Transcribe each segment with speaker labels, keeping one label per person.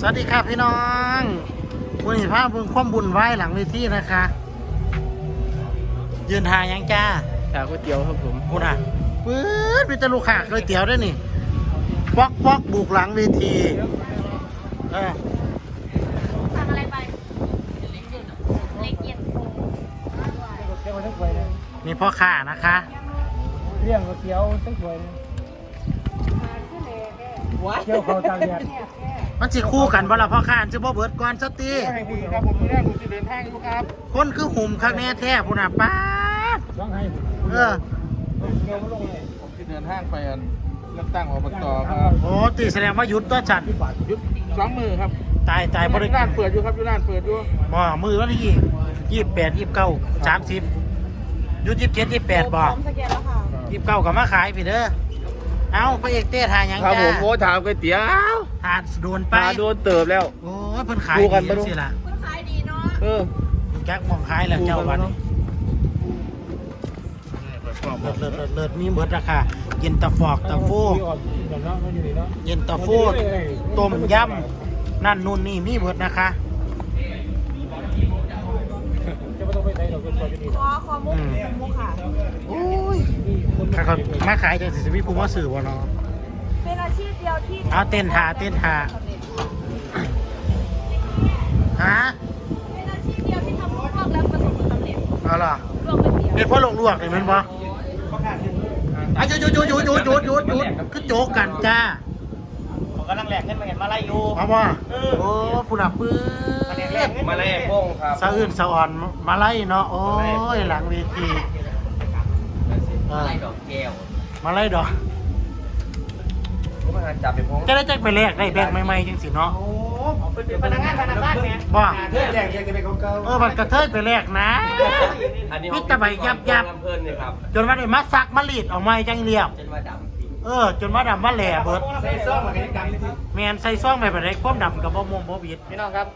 Speaker 1: สวัสดีครับพี่น้องวันนี้พาเพิ่งความบุญไหว้หลังเวทีนะคะยืนทางยังจ้า
Speaker 2: ก๋วยเตี๋ยวครับผม
Speaker 1: พูดอ่ะปื๊ดมีแต่ลูกค้าก๋วยเตี๋ยวด้วยนี่ป๊อกบุกหลังเวที
Speaker 3: สั่งอะไรไปเล็กเย็น
Speaker 1: มีพ่อค้านะคะ
Speaker 2: เรื่องก๋วยเตี๋ยวตั้งถ้วยเที่ยวเขาตากแดด
Speaker 1: มันสิคู่กันบ่ล่ะพ่อค้าจะบ่เบิดก่อนสตี
Speaker 2: ครับผมแรกผมจะเดินทางครับ
Speaker 1: คนคือหุ่มคักแน่แท้พูดอ่ะป้า
Speaker 2: ต้องให้
Speaker 1: เ
Speaker 2: ผมจะเดินทางไปเลือกตั้งอบตครับ
Speaker 1: โอ้ตีแสดงว่าหยุดตัวจัด
Speaker 2: หยุด2 มือครับ
Speaker 1: ตายบริ
Speaker 2: การเปิดอยู่ครับอยู่ร้านเปิดอยู่
Speaker 1: บ่มือวันที่28 29 30หยุด27 28บ่29ก็มาขายพี่เด้อเอาพระเอกเต้ทายังจ้า
Speaker 2: ครับผมโอ้ถามก๋วยเตี๋ยว
Speaker 1: ทาโดนไป
Speaker 2: โดนเติบแล้ว
Speaker 1: โอ้ยเพิ่นขายดีสิล่ะ
Speaker 3: เพิ่นขายดีเนาะ
Speaker 1: แก๊กมองขายแล้วเจ้าวันเลิศมีเบิดราคาเย็นตาฟอกตาฟูเย็นตาฟูต้มยำนั่นนู่นนี่มีเบิดนะคะ
Speaker 3: ขอมุกค่ะ
Speaker 1: โอ้ยถ้าเขามาขายจังสิมีผู้มาซื้อบ่เนาะ
Speaker 3: เป็นอาชีพเดียวที่
Speaker 1: เอาเต้นหาฮะ
Speaker 3: เป็นอาชีพเดียวที่ทำลวกแล้วประสบความสำเร็จ
Speaker 1: เอาล่ะ
Speaker 3: ลวกเป็นเดียว
Speaker 1: เป็นเพราะลวกนี่มันบ่อ่ะหยุดคือโจกกันจ้า
Speaker 2: ผมกำลังแหลกเงินมาเห็นมาไล่อยู่
Speaker 1: เอาบ่โอ้ผู้หลับปื้
Speaker 2: มาไล่พงครับ
Speaker 1: สะอื่นสะอ่อนมาไล่เนาะโอ้ยหลังเวที
Speaker 2: มาไล่ดอกแก้ว
Speaker 1: มาไล่ดอก
Speaker 2: จับไปพง
Speaker 1: จะได้จักไปแลกได้แบงใหม่ๆจังสิเนาะ
Speaker 2: โอ้เป็นพนักงานเนี่ย
Speaker 1: บ่
Speaker 2: เพื่อนแหลกยังจะเป็นเก่า
Speaker 1: มันกระเทยไปแลกนะมิตรใบยับจนว่าได้มาซักมาลีดออกมาจังเรียบ
Speaker 2: จนมาด
Speaker 1: ำจนมาดำมาแหล่เบิด
Speaker 2: ใส่ซ่องมันก็ยังดำ
Speaker 1: แมนใส่ซ่องไปแบบไหนความดำกับบ่มบ่บิด
Speaker 2: พี่น้องครับ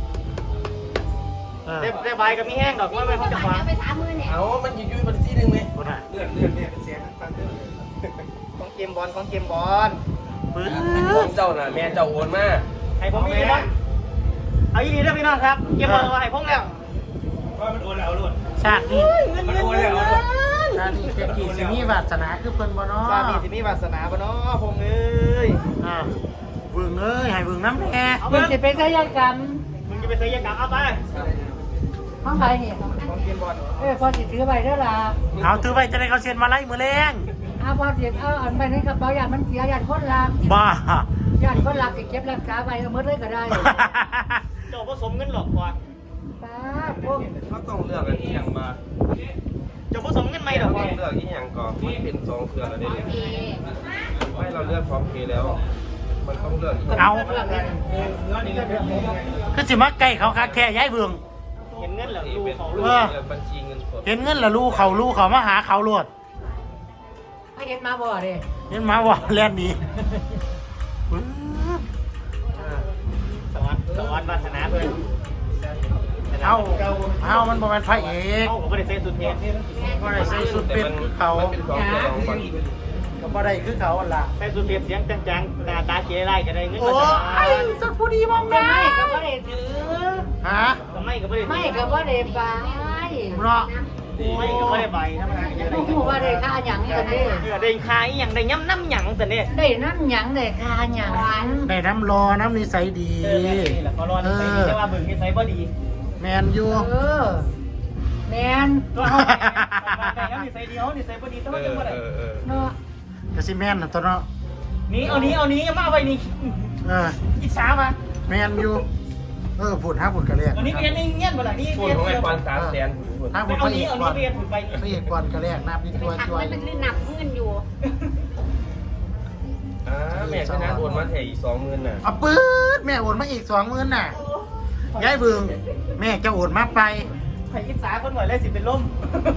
Speaker 2: ได้ใบกับมีแห้งดอกว่าไม่เขาจะวาง
Speaker 3: ไป30,000เนี่ย
Speaker 2: เอามันยืดมันที่นึงไหม
Speaker 1: บ่น่ะ
Speaker 2: เลือดเนี่ยเป็นเสียงฟังของเกมบอล
Speaker 1: ปื้อ
Speaker 2: ของเจ้าน่ะแม่เจ้าโอนมาให้ผมมีนะเอาอีนี่เด้อพี่น้องครับเกมบอลเอาให้ผมแล้วว่ามันโอนแล้วโลด
Speaker 1: ชาตินี้
Speaker 2: มันโอนแล้ว
Speaker 1: ชาตินี้เศรษฐีสิมีวาสนาคือเพิ่นบ่เนาะ
Speaker 2: ชาตินี้สิมีวาสนาบ่เนาะพงเอ้ย
Speaker 1: เบิ่งเอ้ยให้เบิ่งน้ำแน่
Speaker 3: มึงจะไปใช้ยากรรม
Speaker 2: เอาไป
Speaker 3: ห้องไหนเนี่ย
Speaker 2: ของเกมบอล
Speaker 3: พอสิถือไปเด้อล่ะ
Speaker 1: เอาถือไปจะได้เขาเซ็นมาไล่มือแรง
Speaker 3: พอสิอันไปในกระเป๋าญาติมันเสียญาติคนรัก
Speaker 1: บ้า
Speaker 3: ญาติคนรักสิเก็บรักษาไปเอาหมดเลยก็ได้
Speaker 2: เจ้าผสมเงินหลอกกว่า
Speaker 3: ป้าพวก
Speaker 2: เขาต้องเลือกอะไรที่อย่างมาเจ้าผสมเงินไม่หรอกเลือกที่อย่างก่อนมันเป็น2 เครือแล้วเนี่ยไม่เราเลือกพร้อมเพย์แล้วมันต้องเลือก
Speaker 1: เอาคือสิมาใกล้เขาคักแค่ย้ายเบือง
Speaker 2: เห็นเงินเหรอลูเขาบัญชีเงินสด
Speaker 1: เห็นเงินเหรอลูเขามาหาเขาโลด
Speaker 3: ไม่เห็นมาบ่ดิ
Speaker 1: เห็นมาบ่แล่นดี
Speaker 2: สวัสดิ์วาสนาเพื่อน
Speaker 1: เอามันบ่แม่นพระเอก
Speaker 2: ผมไม่ได้ใส่สุดเพชร
Speaker 1: บ่ได้ใส่สุดเป็ดคือเขาก็บ่ได้คือเขาล่ะ
Speaker 2: ใส่สุดเพชรเสียงจังๆตาเกยไล่ก็ได้เงิน
Speaker 1: โอ้ยสักผู้ดีมองได้
Speaker 3: ไม่ก็บ่ได้ถือ
Speaker 1: ฮะ
Speaker 2: ไม่ก็บ่ได้
Speaker 3: ไม่ก็บ่ได้ไป
Speaker 1: เนาะ
Speaker 2: ไม่ก็บ่ได้ใบทำงาน
Speaker 3: ได้ผู้ว่าได้ค่าหยังซั่นเด้
Speaker 2: ได้ค่าอีหยังได้น้ำหยังซั่นเด้
Speaker 3: ได้น้ำหยังได้ค่าหยัง
Speaker 1: ได้น้ำรอน้ำนิสัยดี
Speaker 2: นี่แหละเขารอนิสัยดีแต่ว่าเบิ่งนิสัยบ่ดี
Speaker 1: แมนอยู่
Speaker 3: แมน
Speaker 2: ตัวเฮาแต่ยังนิสัยดีเฮานิสัยบ่ดีต้องจังบ่ได้
Speaker 3: เนาะ
Speaker 1: ก็สิแม่นน่ะตัวเนาะ
Speaker 2: นี่เอานี้มาไว้นี่อิจฉามา
Speaker 1: แมนอยู่พูดหาพูดกันเลย
Speaker 2: อันนี้เรียนเงี้ยบ่ล่ะนี่เรียนของไอ้ปอน300,000
Speaker 1: ถ้าพูดไปอีกก่อนพระเอกก่อนกันแรกนับนี่ตัว
Speaker 3: มันเป็นหนักเงินอยู่
Speaker 2: แม่ชนะโอนมาแค่อีก 20,000 น่ะ
Speaker 1: ปื๊ดแม่โอนมาอีก 20,000 น่ะย้ายเบืองแม่จะโอนมาไป
Speaker 2: ไผอิจฉาคนหน่อยเลยสิเป็นลม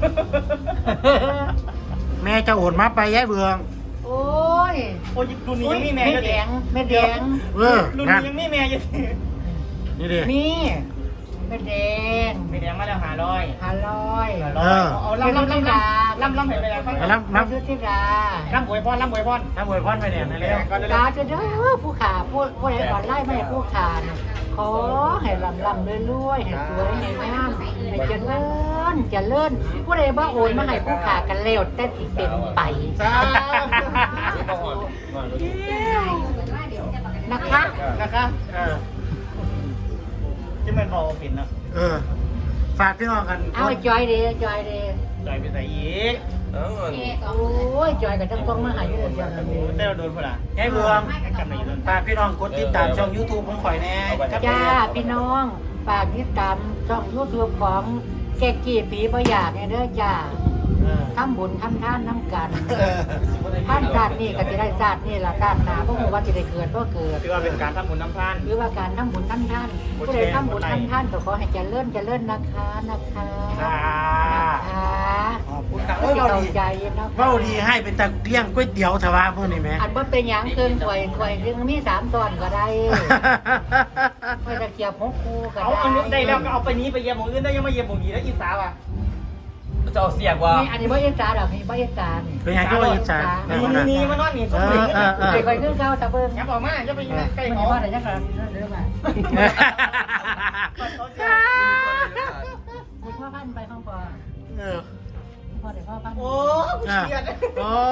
Speaker 1: แม่จะโอนมาไปย้ายเบือง
Speaker 3: โอ้ย
Speaker 2: รุ่นนี้ยังมีแม่
Speaker 3: แม่แดง
Speaker 2: รุ่นนี้ยังมีแม่อยู่
Speaker 1: นี่ดิ
Speaker 3: มี
Speaker 4: ไม่แดง
Speaker 5: ไม่แดงมาแล้ว500
Speaker 4: 500
Speaker 5: เอาล่ำเห็นไปแล้วฟัง
Speaker 1: รับ
Speaker 4: มาซื้อที่ดา
Speaker 5: ล่ำอวยพร
Speaker 1: น้ำบวยพรไปเนี่ยนะเร็ว
Speaker 4: ดาจะเด้อผู้ขาผู้ใดก่อนไล่ไม่ให้ผู้ขานะขอให้ลำรวยๆให้สวยให้งามให้เจริญผู้ใดบ้าโอนมาให้ผู้ขากันเร็วแต่สิเป็นไปนะคะ
Speaker 5: นะคะ ที่มันพอปิดนะ
Speaker 1: ฝากพี่น้องกัน
Speaker 4: เอาจอยดี
Speaker 5: จอยไปใส่อีก
Speaker 2: เอ้า
Speaker 4: โอ้ยจอยกับจังต้องมาหาอยู่เดียวกันเลย
Speaker 5: ได้เราโดนพลัง
Speaker 1: ให้บวง
Speaker 5: กำไรโดน
Speaker 1: ฝากพี่น้องกดติดตามช่อง YouTube ของข่อยแน่
Speaker 4: จ้าพี่น้องฝากติดตามช่องยูทูบของแกกี้ปีประหยัดเนี่ยเด้อจ้าทำบุญทำทานน้ำกันท่านชาตินี่กับที่ได้ชาตินี่ละชาติหนาพวกมึงว่าจะได้เกิดก็เกิด
Speaker 5: ถือว่าเป็นการทำบุญน้ำพาน
Speaker 4: หรือว่าการทำบุญทำทานผู้ใดทำบุญทำทานก็ขอให้เจริญนะคะนะคะ
Speaker 1: ค่ะ
Speaker 4: นะคะ
Speaker 1: ขอบคุณค่ะ
Speaker 4: เข้า
Speaker 1: เว้าดี
Speaker 4: ใจนะ
Speaker 1: เว้าดีให้เป็นตะเลี้ยงก๋วยเตี๋ยวทว่าพวกนี้ไหม
Speaker 4: อันว่าเป็นอย่างเกินถวยเรื่องมี3 ตอนก็ได้ไม่ตะเกียบหกคู่ก็
Speaker 5: เอา
Speaker 4: ได้
Speaker 5: อันนี้ได้แล้วก็เอาไปนี้ไปเยี่ยมหมู่อื่นได้ยังมาเยี่ยมหมู่นี้แล้วอีสาวอ่ะ
Speaker 2: จะเอาเสียกว่า
Speaker 4: นี่อันนี้บ่เอ็นจาดอกนี่บ่เอ็นจานี่
Speaker 1: เป็นยังไงก็ว่าอิจฉา
Speaker 5: นี่มานอนนี่สมบูรณ์
Speaker 4: ไปคอยขึ้นเก้าตะเบิ้ง
Speaker 5: ยับออกมาจะไปใกล้
Speaker 4: มัน
Speaker 5: เขา
Speaker 4: ว่าอะไรยังไงเรื่องมาพ่อพันไปห้องปอพ่อเดี๋ยวพ่อพัน
Speaker 5: โอ้เชียด
Speaker 1: โอ้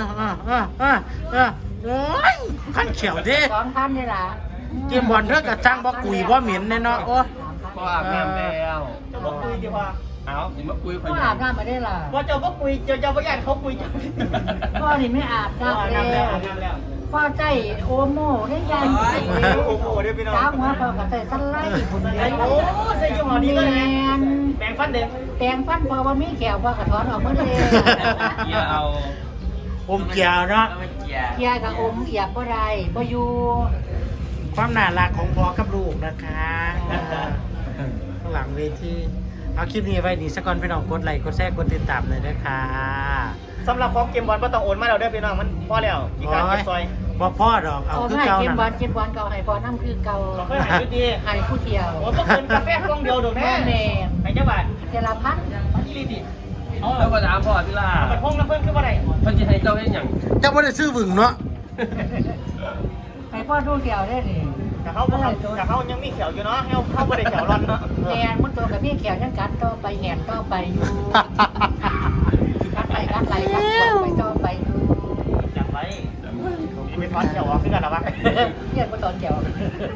Speaker 1: ยขั้นเขียวดิ
Speaker 4: 2,000นี่ล่ะ
Speaker 1: เกมบอลเท่ากับจ้างบ่กุยบ่เหม็นแน่เนาะโอ้
Speaker 2: ก็อาบน้ำแล้ว
Speaker 5: จะบอกคุยดีกว่า
Speaker 2: เอาสิมาคุย
Speaker 4: พ่ออาบน้ำมาได้ล่ะ
Speaker 5: พอเจ้าก็คุยเจ้าก็ญาติเขาคุยจัง
Speaker 4: พ่อนี่ไม่อาบน้ำแล้วพ่อใจโอโม่ได้ยัง
Speaker 5: โอ้โหเดี๋ยวพี่น้อง
Speaker 4: สาวหัวพ่อก็ใส่สไลด์คนเดียว
Speaker 5: โอ้ใส่ยี่ห้อนี้เลยแบ่งฟันเด็ก
Speaker 4: แปลงฟันพ่อว่ามีแขวพ่อกระถอนออกมาเลย
Speaker 2: เกียร์เอา
Speaker 1: อมเกี่ยวเนาะ
Speaker 2: เกียร์
Speaker 4: เกียกับอมเอียบบ่ได้บ่อยู่
Speaker 1: ความน่ารักของพ่อกับลูกนะคะข้างหลังเวทีเอาคลิปนี้ไว้ดีสักก่อนพี่น้องกดไลค์กดแชร์กดติดตามเลยนะคะ
Speaker 5: สำหรับของเกมบอลก็ต้องโอนมาเราได้พี่น้องมันพอแล้วอีกการเก็บซอย
Speaker 1: บ่พ่อดอกเอา
Speaker 4: เอา
Speaker 1: คือ
Speaker 4: ให้
Speaker 1: เก่า
Speaker 4: เก็บ
Speaker 1: นั่น
Speaker 4: บอลเก็บบอลเก่าให้พ่อน้ำคือเก่า
Speaker 5: เราเคยหายดี
Speaker 4: ให้ผู้เที่ยว
Speaker 5: โอ้ก็เกินกาแฟกล่องเดียวดูแม่
Speaker 4: แม่
Speaker 5: ให้เจ้าบ้าน
Speaker 4: เจรพัฒน์
Speaker 5: นี่ดีดิเอา
Speaker 2: แล้วก็ถามพ่อพี่ล่ะ
Speaker 5: ไปพงน้ำเพิ่มขึ้นมาไหน
Speaker 2: เพิ่นจะให้เจ้าเห็นอย่าง
Speaker 1: เจ้าบ่ได้ซื้อบึงเนาะ
Speaker 4: ให้พ่อดูเที่ยวได้นี่
Speaker 5: แต่เขายังมีเขียวอยู่เนาะเขาไม่ได้เขียวร้อนเนาะ
Speaker 4: แกนมุดตัวกับพี่แขวยังกัดต่อไปแหนต่อไปอยู่กัดไหลกัดไหลกัดตัวไปต่อไปอยู่
Speaker 5: จับไว้ไม่พอเขียวขึ้นกันหรอวะ
Speaker 4: เรียกว่าตอนแขว